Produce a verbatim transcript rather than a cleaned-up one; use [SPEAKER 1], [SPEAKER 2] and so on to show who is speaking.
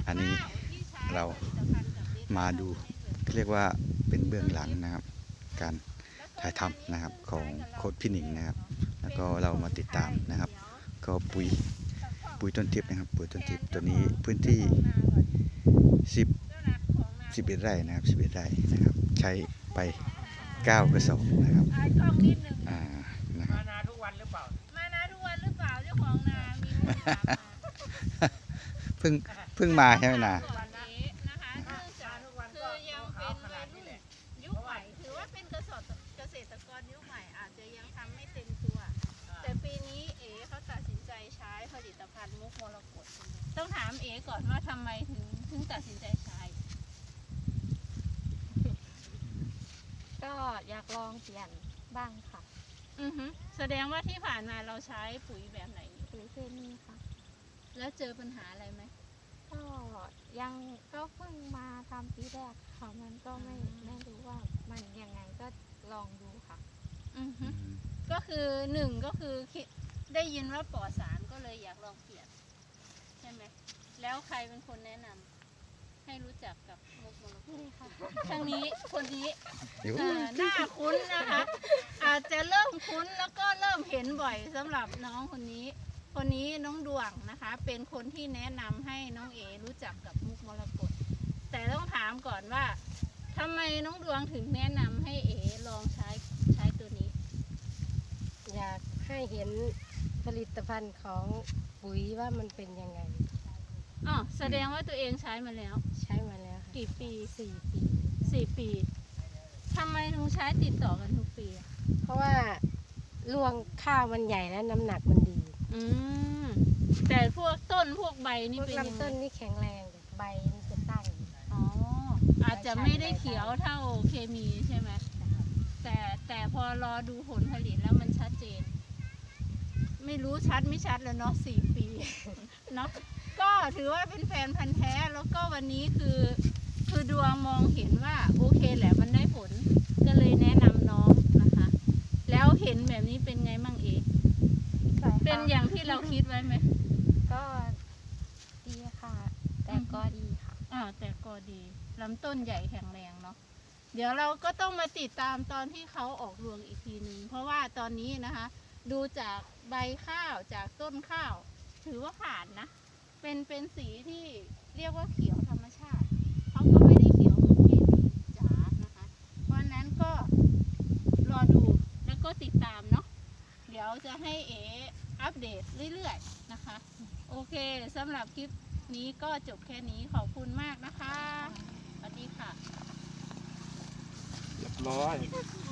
[SPEAKER 1] อันนี้เรามาดูเรียกว่าเป็นเบื้องหลังนะครับการถ่ายทำนะครับของโค้ชพี่หนิงนะครับแล้วก็เรามาติดตามนะครับก็ปุ๋ยปุ๋ยต้นทิพย์นะครับปุ๋ยต้นทิพย์ตัวนี้พื้นที่สิบ สิบเอ็ดไร่นะครับสิบเอ็ดไร่นะครับใช้ไปเก้ากระสอบนะครับอ่านะครับ
[SPEAKER 2] มานาทุกวันหรือเปล่า
[SPEAKER 3] มานาทุกวันหรือเปล่าเจ้าของนามีลูกถามมา
[SPEAKER 1] เพิ่งเพิ่งมาใช่ไหมนา
[SPEAKER 3] นะคะเนื่องจากคือยังเป็นวัยรุ่นยุคใหม่ถือว่าเป็นเกษตรเกษตรกรยุคใหม่อาจจะยังทำไม่เต็มตัวแต่ปีนี้เอ๋เขาตัดสินใจใช้ผลิตภัณฑ์มุกมรกตต้องถามเอ๋ก่อนว่าทำไมถึงถึงตัดสินใจใช้
[SPEAKER 4] ก็อยากลองเปลี่ยนบ้างค่ะ
[SPEAKER 3] อือฮึแสดงว่าที่ผ่านมาเราใช้ปุ๋ยแบบไหน
[SPEAKER 4] ปุ๋ยเคมีค่ะ
[SPEAKER 3] แล้วเจอปัญหาอะไรไหม
[SPEAKER 4] ก็ยังก็เพิ่งมาทำปีแรกค่ะมันก็ไม่ไม่รู้ว่ามันยังไงก็ลองดูค่ะ
[SPEAKER 3] อือฮึก็คือหนึ่งก็คือได้ยินว่าปลอดสารก็เลยอยากลองเปลี่ยนใช่ไหมแล้วใครเป็นคนแนะนำให้รู้จักกับมุกมรกต
[SPEAKER 4] นี่ค่ะ
[SPEAKER 3] ทางนี้คนนี้หน้าคุ้นนะคะอาจจะเริ่มคุ้นแล้วก็เริ่มเห็นบ่อยสำหรับน้องคนนี้คนนี้น้องดวงนะคะเป็นคนที่แนะนำให้น้องเอรู้จักกับมุกมรกตแต่ต้องถามก่อนว่าทำไมน้องดวงถึงแนะนำให้เอลองใช้ใช้ตัวนี้
[SPEAKER 5] อยากให้เห็นผลิตภัณฑ์ของปุ๋ยว่ามันเป็นยังไง
[SPEAKER 3] อ๋อแสดงว่าตัวเองใช้มาแล้ว
[SPEAKER 5] ใช้มาแล้ว
[SPEAKER 3] กี่ปี
[SPEAKER 5] สี่ปี
[SPEAKER 3] สี่ปีทำไมถึงใช้ติดต่อกันทุกปี
[SPEAKER 5] เพราะว่ารวงข้าวมันใหญ่และน้ำหนักมันดี
[SPEAKER 3] อืมแต่พวกต้นพวกใบนี่เป็น
[SPEAKER 5] ลำต้นนี่แข็งแรงใบนี่จะตั้ง
[SPEAKER 3] อ๋ออาจจะไม่ได้เขียวเท่าเคมีใช่ไหมแต่แต่พอรอดูผลผลิตแล้วมันชัดเจนไม่รู้ชัดไม่ชัดแล้วเนาะสี่ปีเนาะก็ถือว่าเป็นแฟนพันธุ์แท้แล้วก็วันนี้คือคือดวงมองเห็นว่าโอเคแหละมันได้ผลก็เลยแนะนำน้องนะคะแล้วเห็นแบบนี้เป็นไงมั่งเอกเป็นอย่างที่เราคิดไว้ไหม
[SPEAKER 4] ก็ดีค่ะแต่ก็ดีค่ะ
[SPEAKER 3] อ่าแต่ก็ดีลำต้นใหญ่แข็งแรงเนาะเดี๋ยวเราก็ต้องมาติดตามตอนที่เขาออกรวงอีกทีนึงเพราะว่าตอนนี้นะคะดูจากใบข้าวจากต้นข้าวถือว่าผ่านนะเป็นเป็นสีที่เรียกว่าเขียวธรรมชาติเขาก็ไม่ได้เขียวเหมือนเคมีจ๋านะคะเพราะนั้นก็รอดูแล้วก็ติดตามเนาะเดี๋ยวจะให้เออัปเดตเรื่อยๆนะคะโอเคสำหรับคลิปนี้ก็จบแค่นี้ขอบคุณมากนะคะสวัสดีค่ะ
[SPEAKER 2] เรียบร้อย